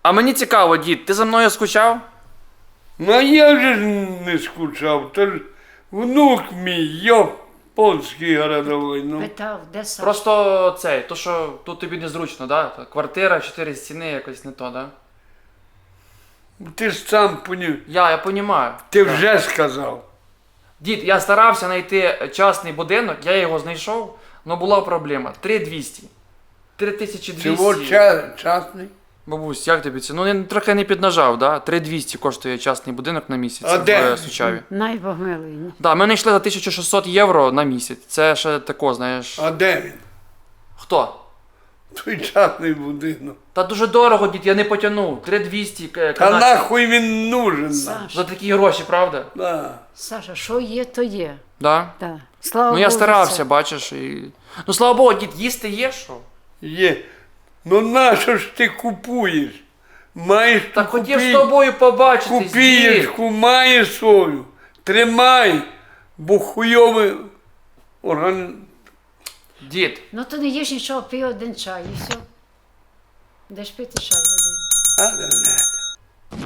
А мені цікаво, дід, ти за мною скучав? Ну а я вже ж не скучав, то ж внук мій, японський городовий, ну. Питав, де Саша? Просто цей, то що тут тобі незручно, да? Квартира, 4 стіни, якось не то, да? Ти ж сам поняв, Я понімаю. ти Да. вже сказав. Дід, я старався знайти частний будинок, я його знайшов, але була проблема. 3200. 3200. Чого частний? Бабусь, як тобі це? Ну, я трохи не піднажав, да? 3200 коштує частний будинок на місяць А де? в Сучаві. Най Бог милий. Да, ми знайшли за 1600 євро на місяць. Це ще тако, знаєш. А де він? Хто? Той частний будинок. Та дуже дорого, дід, я не потягнув. 3200 Та канадців. нахуй він нужен нам. За Саша, такі гроші, правда? Да. Саша, що є, то є. Да? Да. Слава Ну я Богу, старався, це. бачиш. І... Ну слава Богу, дід, їсти є що? Є. Ну нащо ж ти купуєш? Маєш Та ту хотів з тобою побачитись, дід. купієчку, маєш свою. Тримай, бо хуйовий орган. Дід, Ну то не їж нічого, пий один чай і все. Де ж пити чай один? А,